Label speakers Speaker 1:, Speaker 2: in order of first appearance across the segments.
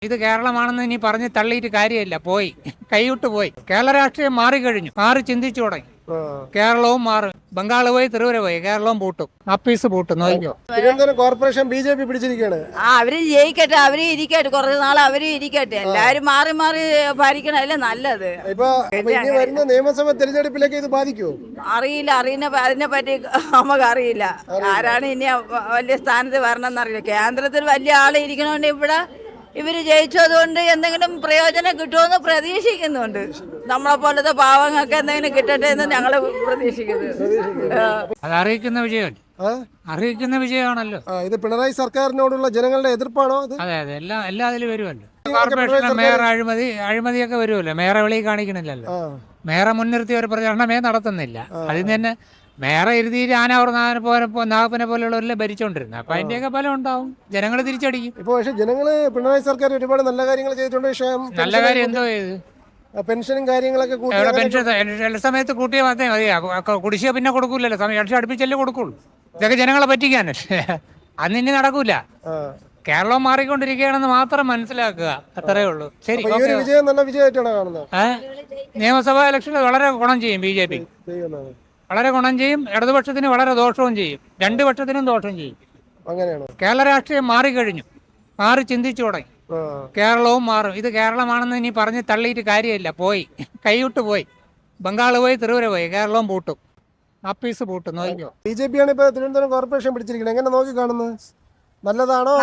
Speaker 1: ഇത് കേരളമാണെന്ന് ഇനി പറഞ്ഞ് തള്ളിയിട്ട് കാര്യമില്ല. പോയി കൈവിട്ട് പോയി. കേരള രാഷ്ട്രീയം മാറിക്കഴിഞ്ഞു. മാറി ചിന്തിച്ചു തുടങ്ങി. കേരളവും മാറും. ബംഗാൾ പോയി, ത്രിപുര പോയി, കേരളവും പൂട്ടും. അപ്പീസ് പൂട്ടും. നോക്കിയോ.
Speaker 2: തിരുവനന്തപുരം കോർപ്പറേഷൻ BJP പിടിച്ചിരിക്കുകയാണ്.
Speaker 3: അവര് ജയിക്കട്ടെ, അവര് ഇരിക്കട്ടെ, കുറച്ച് നാൾ അവര് ഇരിക്കട്ടെ. എല്ലാരും മാറി മാറി ഭരിക്കണല്ലേ നല്ലത്.
Speaker 2: ഇപ്പൊ ഇനി വരുന്ന നിയമസഭ തെരഞ്ഞെടുപ്പിലേക്ക് ഇത് ബാധിക്കുമോ?
Speaker 3: അറിയില്ല, അതിനെ പറ്റി നമുക്ക് അറിയില്ല. ആരാണ് ഇനി വലിയ സ്ഥാനത്ത് വരണമെന്നറിയില്ല. കേന്ദ്രത്തിൽ വലിയ ആള് ഇരിക്കണോണ്ട് ഇവിടെ ഇവര് ജയിച്ചതുകൊണ്ട് എന്തെങ്കിലും പ്രയോജനം കിട്ടുമെന്ന് പ്രതീക്ഷിക്കുന്നുണ്ട്. നമ്മളെ പോലത്തെ പാവങ്ങൾക്ക് എന്തെങ്കിലും കിട്ടട്ടെ എന്ന് ഞങ്ങൾ പ്രതീക്ഷിക്കുന്നു.
Speaker 1: അത് അറിയിക്കുന്ന വിജയമാണല്ലോ.
Speaker 2: ഇത് പിണറായി സർക്കാരിനോടുള്ള ജനങ്ങളുടെ എതിർപ്പാണോ?
Speaker 1: അതെ, എല്ലാം അതിൽ വരുമല്ലോ. കോർപ്പറേഷൻ മേയർ അഴിമതിയൊക്കെ വരുമല്ലോ. മേയറെ വെളിയിൽ കാണിക്കണില്ലല്ലോ. മേയറെ മുൻനിർത്തി ഒരു പ്രചരണമേ നടത്തുന്നില്ല. അതിന് തന്നെ മേയറെ ഇരുതിയിൽ നാഗപ്പനെ പോലെയുള്ളവരെല്ലാം ഭരിച്ചോണ്ടിരുന്നത്. അപ്പൊ അതിന്റെയൊക്കെ ഫലം ഉണ്ടാവും. ജനങ്ങൾ തിരിച്ചടിക്കും.
Speaker 2: ഇപ്പൊ പക്ഷെ ജനങ്ങള് പിണറായി സർക്കാർ ഒരുപാട് നല്ല കാര്യങ്ങൾ ചെയ്തിട്ടുണ്ട്.
Speaker 1: നല്ല കാര്യം എന്തോ ചെയ്ത്
Speaker 2: പെൻഷനും കാര്യങ്ങളൊക്കെ
Speaker 1: പെൻഷൻ എല്ലാ സമയത്ത് കൂട്ടിയാൽ മാത്രമേ മതി. കുടിശ്ശിക പിന്നെ കൊടുക്കൂലല്ലോ. ഇലക്ഷൻ അടുപ്പിച്ചല്ലേ കൊടുക്കുള്ളൂ. ഇതൊക്കെ ജനങ്ങളെ പറ്റിക്കാനല്ലേ. അന്നിനി നടക്കൂല. കേരളം മാറിക്കൊണ്ടിരിക്കുകയാണെന്ന് മാത്രം മനസ്സിലാക്കുക. അത്രേ ഉള്ളൂ. ശരി.
Speaker 2: വിജയം നല്ല വിജയമായിട്ടാണ് കാണുന്നത്.
Speaker 1: നിയമസഭാ ഇലക്ഷനിൽ വളരെ ഗുണം ചെയ്യും BJP. വളരെ ഗുണം ചെയ്യും. ഇടതുപക്ഷത്തിന് വളരെ ദോഷവും ചെയ്യും. രണ്ടു പക്ഷത്തിനും ദോഷം ചെയ്യും.
Speaker 2: അങ്ങനെയാണ്.
Speaker 1: കേരള രാഷ്ട്രീയം മാറിക്കഴിഞ്ഞു. മാറി ചിന്തിച്ചു തുടങ്ങി. കേരളവും മാറും. ഇത് കേരളമാണെന്ന് ഇനി പറഞ്ഞ് തള്ളിയിട്ട് കാര്യമില്ല. പോയി കൈവിട്ട് പോയി. ബംഗാൾ പോയി, ത്രിപുര പോയി, കേരളവും പൂട്ടും. അപ്പീസ് പൂട്ടും. നോക്കിയോ.
Speaker 2: BJP ആണ് ഇപ്പൊ തിരുവനന്തപുരം കോർപ്പറേഷൻ പിടിച്ചിരിക്കുന്നത്. എങ്ങനെ നോക്കി കാണുന്നത്? നല്ലതാണോ?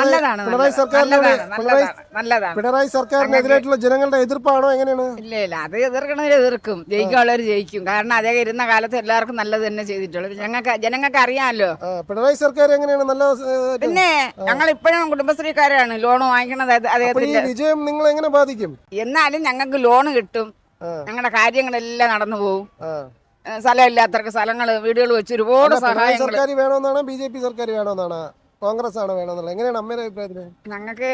Speaker 2: പിണറായി സർക്കാരിനെതിരായിട്ടുള്ള ജനങ്ങളുടെ എതിർപ്പാണോ? എങ്ങനെയാണ്?
Speaker 3: ഇല്ല, അത് എതിർക്കും. ജയിക്കാനുള്ളവർ ജയിക്കും. കാരണം അദ്ദേഹം ഇരുന്ന കാലത്ത് എല്ലാവർക്കും നല്ലത് തന്നെ ചെയ്തിട്ടുള്ളൂ. ജനങ്ങൾക്ക് അറിയാമല്ലോ.
Speaker 2: പിണറായി സർക്കാർ എങ്ങനെയാണ്? നല്ല
Speaker 3: പിന്നെ ഞങ്ങൾ ഇപ്പോഴും കുടുംബശ്രീക്കാരാണ്. ലോൺ വാങ്ങിക്കണത് അദ്ദേഹത്തിന്റെ.
Speaker 2: വിജയം നിങ്ങൾ എങ്ങനെ ബാധിക്കും?
Speaker 3: എന്നാലും ഞങ്ങൾക്ക് ലോൺ കിട്ടും. ഞങ്ങളുടെ കാര്യങ്ങളെല്ലാം നടന്നു പോകും. സ്ഥലമില്ലാത്തവർക്ക് സ്ഥലങ്ങൾ, വീടുകൾ വെച്ച് ഒരുപാട് സഹായം.
Speaker 2: സർക്കാർ വേണമെന്നാണ്? BJP സർക്കാർ വേണമെന്നാണ്? കോൺഗ്രസ് ആണ് വേണമെന്നുള്ള? എങ്ങനെയാണ് അമ്മയുടെ അഭിപ്രായത്തിൽ?
Speaker 3: ഞങ്ങൾക്ക്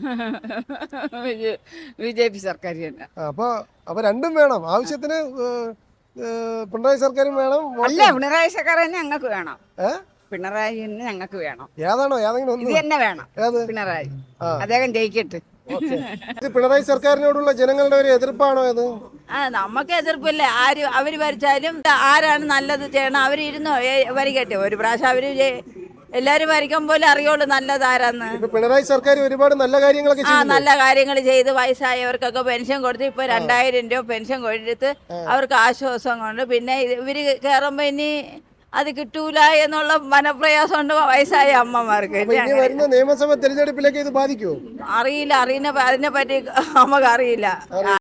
Speaker 3: BJP സർക്കാർ തന്നെ.
Speaker 2: അപ്പൊ രണ്ടും വേണം. ആവശ്യത്തിന് പിണറായി സർക്കാരും വേണം.
Speaker 3: അല്ല, പിണറായി സർക്കാർ തന്നെ ഞങ്ങൾക്ക് വേണം. പിണറായി തന്നെ ഞങ്ങൾക്ക് വേണം.
Speaker 2: ഏതാണോ? ഏതെങ്കിലും
Speaker 3: ഇത് തന്നെ വേണം. പിണറായി അദ്ദേഹം ജയിക്കട്ടെ.
Speaker 2: പിണറായി സർക്കാരിനോടുള്ള ജനങ്ങളുടെ ഒരു എതിർപ്പാണോ ഇത്?
Speaker 3: നമുക്ക് എതിർപ്പില്ല. അവര് ഭരിച്ചാലും ആരാണ് നല്ലത് ചെയ്യണം അവരിരുന്നോ ഭരിക്കട്ടെ. ഒരു പ്രാവശ്യം അവര് എല്ലാരും ഭരിക്കാൻ പോലെ അറിയുള്ളൂ നല്ലതാരാന്ന്.
Speaker 2: പിണറായി സർക്കാർ ഒരുപാട് നല്ല കാര്യങ്ങളൊക്കെ
Speaker 3: നല്ല കാര്യങ്ങൾ ചെയ്ത് വയസ്സായവർക്കൊക്കെ പെൻഷൻ കൊടുത്ത് ഇപ്പൊ 2000 രൂപ പെൻഷൻ കൊടുത്ത് അവർക്ക് ആശ്വാസം കൊണ്ട്. പിന്നെ ഇവര് കയറുമ്പോ ഇനി അത് കിട്ടൂല എന്നുള്ള മനപ്രയാസം ഉണ്ട് വയസ്സായ അമ്മമാർക്ക്.
Speaker 2: വരുന്ന നിയമസഭ തെരഞ്ഞെടുപ്പിലേക്ക് ഇത് ബാധിക്കുമോ?
Speaker 3: അറിയില്ല, അതിനെ പറ്റി നമുക്ക് അറിയില്ല.